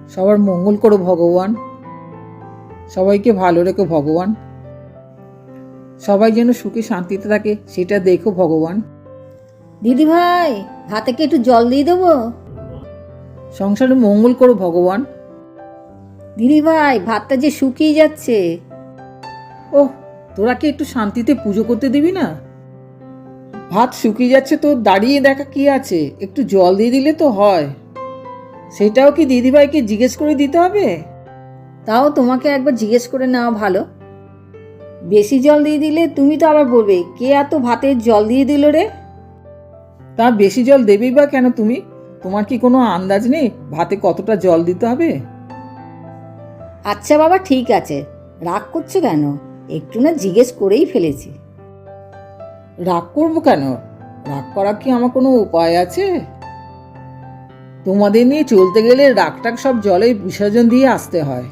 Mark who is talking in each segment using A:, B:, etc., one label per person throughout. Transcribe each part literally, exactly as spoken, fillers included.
A: সবার মঙ্গল করো ভগবান, সবাইকে ভালো রেখো ভগবান, সবাই যেন সুখে শান্তিতে থাকে সেটা দেখো ভগবান।
B: দিদি ভাই, ভাতে কি একটু জল দিয়ে দেবো?
A: সংসারে মঙ্গল করো ভগবান।
B: দিদি ভাই, ভাতটা যে শুকিয়ে যাচ্ছে।
A: ওহ, তোরা কি একটু শান্তিতে পুজো করতে দিবি না? ভাত শুকিয়ে যাচ্ছে তো দাঁড়িয়ে দেখা কি আছে, একটু জল দিয়ে দিলে তো হয়। সেটাও কি দিদিভাইকে জিজ্ঞেস করে দিতে হবে?
B: তাও তোমাকে একবার জিজ্ঞেস করে নেওয়া ভালো। বেশি জল দিয়ে দিলে তুমি তো আবার বলবে কে এত ভাতে জল দিয়ে দিল রে।
A: তা বেশি জল দেবেই বা কেন তুমি? তোমার কি কোনো আন্দাজ নেই ভাতে কতটা জল দিতে হবে?
B: আচ্ছা বাবা, ঠিক আছে, রাগ করছো কেন? একটু না জিজ্ঞেস করেই ফেলেছি।
A: রাগ করবো কেন? রাগ করা কি আমার কোনো উপায় আছে? তোমাদের নিয়ে চলতে গেলে রাগটাগ সব জলে বিসর্জন দিয়ে আসতে হয়।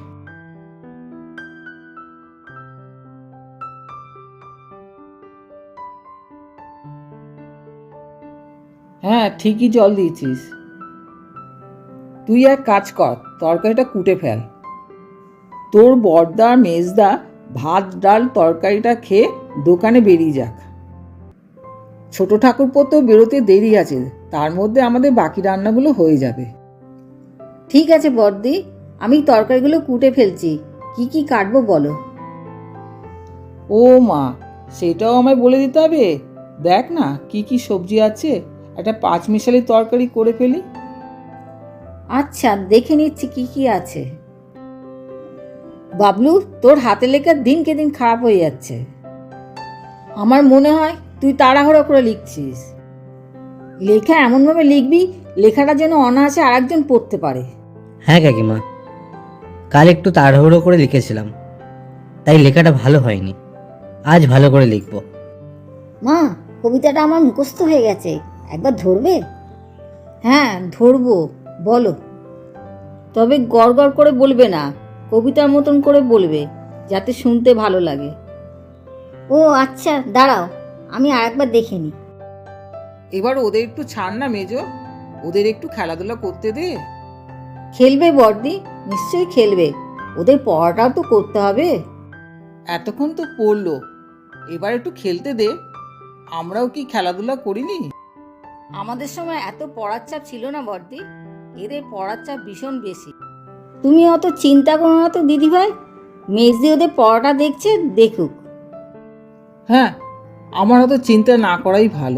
A: হ্যাঁ, ঠিকই জল দিয়েছিস। তুই এক কাজ কর, তরকারিটা কুটে ফেল। তোর বড়দা মেজদা ভাত ডাল তরকারিটা খেয়ে দোকানে বেরিয়ে যাক। ছোট ঠাকুরপো তো বেরোতে দেরি আছে, তার মধ্যে আমাদের বাকি রান্নাগুলো হয়ে যাবে।
B: ঠিক আছে বড়দি, আমি তরকারিগুলো কুটে ফেলছি। কি কি কাটবো বলো?
A: ও মা, সেটাও আমায় বলে দিতে হবে? দেখ না কি কি সবজি আছে, একটা পাঁচ মিশালি তরকারি করে ফেলি।
B: আচ্ছা, দেখে নিচ্ছি কি কি আছে। বাবলু, তোর হাতে লেখা দিনকে দিন খারাপ হয়ে যাচ্ছে। আমার মনে হয় তুই তাড়াহুড়ো করে লিখছিস। লেখা এমনভাবে লিখবি লেখাটা যেন অনায়াসে আরেকজন পড়তে পারে।
C: হ্যাঁ কাকিমা, কাল একটু তাড়াহুড়ো করে লিখেছিলাম, তাই লেখাটা ভালো হয়নি। আজ ভালো করে লিখব।
B: মা, কবিতাটা আমার মুখস্থ হয়ে গেছে, একবার ধরবে? হ্যাঁ ধরবো, বলো। তবে গড় গড় করে বলবে না, কবিতার মতন করে বলবে, যাতে শুনতে ভালো লাগে। ও আচ্ছা, দাঁড়াও, আমি আরেকবার দেখে নিই।
A: এবার ওদের একটু ছাড় না মেজো, ওদের একটু খেলাধুলা করতে দে।
B: খেলবে বড়দি, নিশ্চয়ই খেলবে, ওদের পড়াটাও তো করতে হবে।
A: এতক্ষণ তো পড়লো, এবার একটু খেলতে দে। আমরাও কি খেলাধুলা করিনি?
B: আমাদের সময় এত পড়ার চাপ ছিল না বড়দি, এদের পড়ার চাপ ভীষণ বেশি। তুমি অত চিন্তা করো না তো দিদিভাই, মেজদি ওদের পড়াটা দেখছে, দেখুক।
A: হ্যাঁ, আমার অত চিন্তা না করাই ভালো।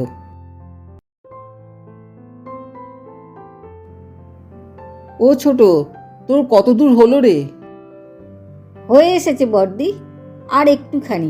A: ও ছোট, তোর কত দূর হলো রে?
B: হয়ে এসেছে বড়দি, আর একটুখানি।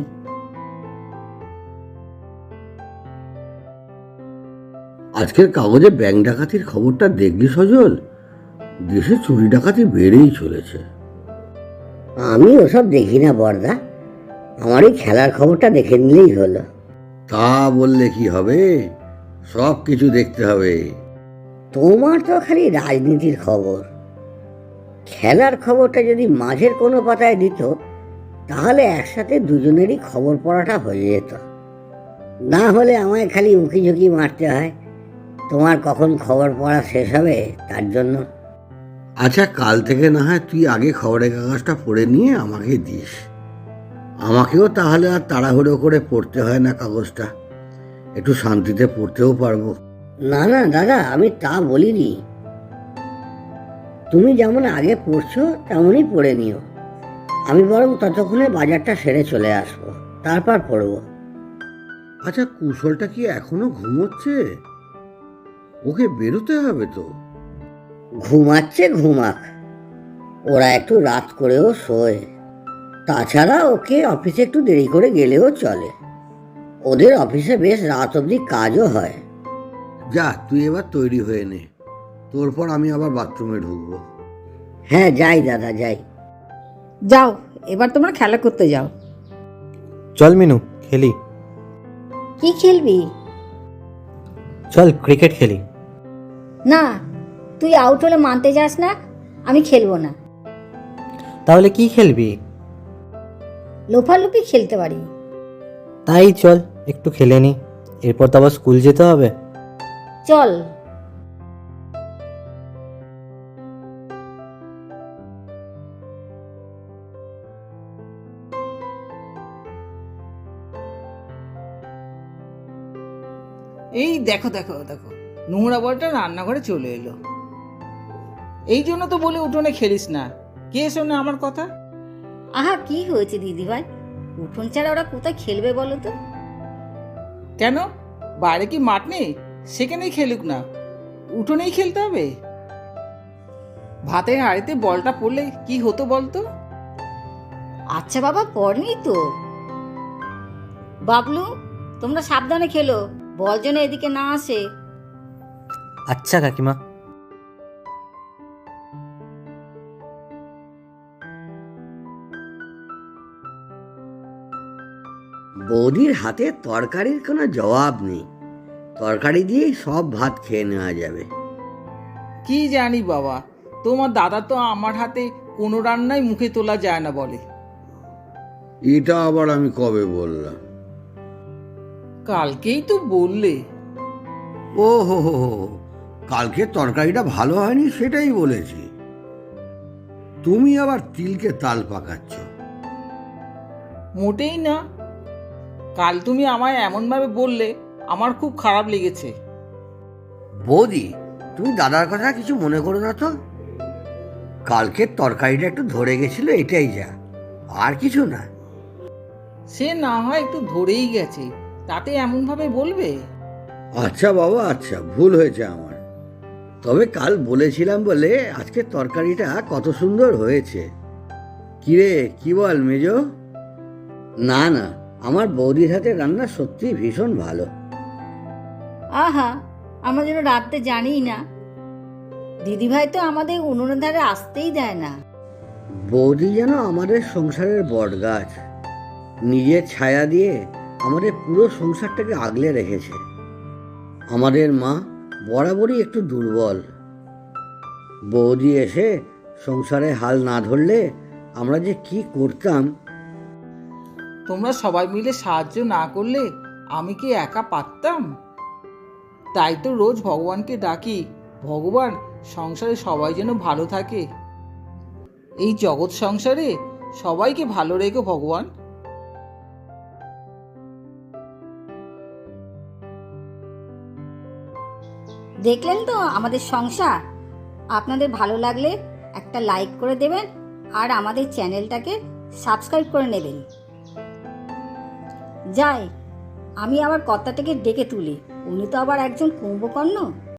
D: আজকের কাগজে ব্যাংক ডাকাতির খবরটা দেখলি সজল? দেশে চুরি ডাকাতি বেড়েই চলেছে।
E: আমি ওসব দেখি না বড়দা, আমার এই খেলার খবরটা দেখে নিলেই হলো।
D: তা বললে কি হবে, সব কিছু দেখতে হবে।
E: তোমার তো খালি রাজনীতির খবর। খেলার খবরটা যদি মাঝের কোনো পাতায় দিত, তাহলে একসাথে দুজনেরই খবর পড়াটা হয়ে যেত। না হলে আমায় খালি উঁকি ঝুঁকি মারতে হয় তোমার কখন খবর পড়া শেষ হবে তার জন্য।
D: আচ্ছা, কাল থেকে না হয় তুই আগে খবরের কাগজটা পড়ে নিয়ে আমাকে দিস, আমাকেও তাহলে আর তাড়াহুড়ো করে পড়তে হয় না কাগজটা, একটু শান্তিতে পড়তেও পারবো।
E: না না দাদা, আমি তা বলিনি। তুমি যেমন আগে পড়ছো তেমনই পড়ে নিও, আমি বরং ততক্ষণে বাজারটা সেরে চলে আসবো, তারপর পড়বো।
D: আচ্ছা, কুশলটা কি এখনো ঘুমোচ্ছে? ওকে বেরোতে হবে তো।
E: ঘুমাচ্ছে ঘুমাক, ওরা একটু রাত করেও শোয়। তাছাড়া ওকে অফিসে একটু দেরি করে গেলেও চলে, ওদের অফিসে বেশ রাত অবধি কাজও হয়।
D: যা, তুই এবার তৈরি হয়ে নে, তোর পর আমি আবার বাথরুমে ঢুকবো।
E: হ্যাঁ যাই দাদা, যাই।
B: যাও, এবার তোমরা খেলা করতে যাও।
C: চল মিনু, খেলি।
B: কি খেলবি?
C: চল ক্রিকেট খেলি।
B: না, তুই আউট হলে মানতে যাস না, আমি খেলবো না।
C: তাহলে কি খেলবি?
B: লোফালুপি খেলতে পারি।
C: তাই চল একটু খেলে নি, এরপর তো আবার স্কুল যেতে হবে।
B: চল।
A: এই দেখো দেখো দেখো নোংরা বলটা রান্নাঘরে চলে এলো। এই জন্য তো বলে উঠোনে খেলিস না, কে শোনে আমার কথা?
B: আহা কি হয়েছে দিদিভাই, উঠোন ছাড়া ওরা কোথায় খেলবে বলো তো?
A: কেন, বাইরে কি মাঠ নেই? সেখানেই খেলুক না, উঠোনেই খেলতে হবে? ভাতের হাঁড়িতে বলটা পড়লে কি হতো বলতো?
B: আচ্ছা বাবা, পড়নি তো। বাবলু, তোমরা সাবধানে খেলো, বল যেন এদিকে না আসে।
C: আচ্ছা কাকিমা।
D: বৌদির হাতে তরকারির কোনো জবাব নেই, তরকারি দিয়েই সব ভাত খেয়ে নেওয়া যাবে।
A: কি জানি বাবা, তোমার দাদা তো আমার হাতে কোনো রান্নাই মুখে তোলা যায় না বলে।
D: এটা আবার আমি কবে বললাম?
A: কালকেই তো বললে।
D: ও হো হো হো, কালকে তরকারিটা ভালো হয়নি সেটাই বলেছি। তুমি আবার তিলকে তাল পাকাচ্ছ।
A: মোটেই না, কাল তুমি আমায় এমনভাবে বললে আমার খুব খারাপ লেগেছে।
D: বৌদি, তুমি দাদার কথা কিছু মনে করো না তো। কালকের তরকারিটা একটু ধরে গেছিল, এটাই যা, আর কিছু না।
A: সে না হয় একটু ধরেই গেছে, তাতে এমনভাবে বলবে?
D: আচ্ছা বাবা, আচ্ছা, ভুল হয়েছে আমার। তবে কাল বলেছিলাম বলে আজকে তরকারিটা কত সুন্দর হয়েছে। কিরে, কি বল মেজো? না না, আমার বৌদির হাতে রান্না সত্যি ভীষণ ভালো।
B: আহা, আমরা যেন রাত্রে জানিই না, দিদিভাই তো আমাদের উনুনের ধারে আসতেই দেয় না।
D: বৌদি যেন আমাদের সংসারের বটগাছ, নিজের ছায়া দিয়ে আমাদের পুরো সংসারটাকে আগলে রেখেছে। আমাদের মা বরাবরই একটু দুর্বল, বৌদি এসে সংসারে হাল না ধরলে আমরা যে কি করতাম।
A: তোমরা সবাই মিলে সাহায্য না করলে আমি কি একা পারতাম? তাই তো রোজ ভগবানকে ডাকি, ভগবান সংসারে সবাই যেন ভালো থাকে, এই জগৎ সংসারে সবাইকে ভালো রেখো ভগবান।
B: দেখলেন তো আমাদের সংসার। আপনাদের ভালো লাগলে একটা লাইক করে দেবেন আর আমাদের চ্যানেলটাকে সাবস্ক্রাইব করে নেবেন। যাই, আমি আবার কর্তাটাকে ডেকে তুলি, উনি তো আবার একজন কুম্ভকর্ণ।